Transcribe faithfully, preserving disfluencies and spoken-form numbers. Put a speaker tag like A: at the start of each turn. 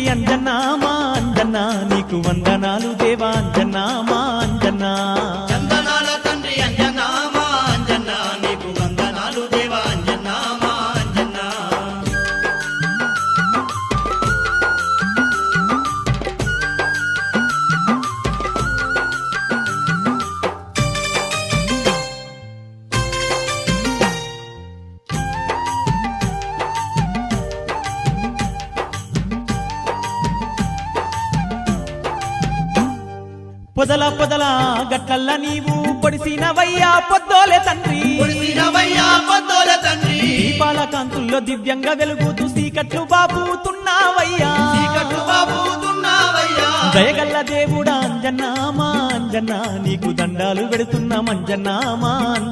A: అంజన్నా మా అంజన్నా నీకు వందనాలు దేవా అంజన్నా మా అంజన్నా
B: చందనాల తండ్రి అంజన్నా మా అంజన్నా నీకు వందనాలు దేవా అంజన్నా మా అంజన్నా
A: పొదల పొదల గట్లల్ల నీవు పొడిసినవయ్యా పొద్దోలే తండ్రి
B: పొడిసినవయ్యా పొద్దోలే తండ్రి
A: దీపాల కాంతుల్లో దివ్యంగా వెలుగుతూ సీకట్లు బాబుతున్నావయ్యా
B: చీకట్లు బాబుతున్నావయ్యా
A: దయగల్ల దేవుడా అంజన్నా మా అంజన్నా నీకు దండాలు పెడుతున్నాం అంజన్నా మా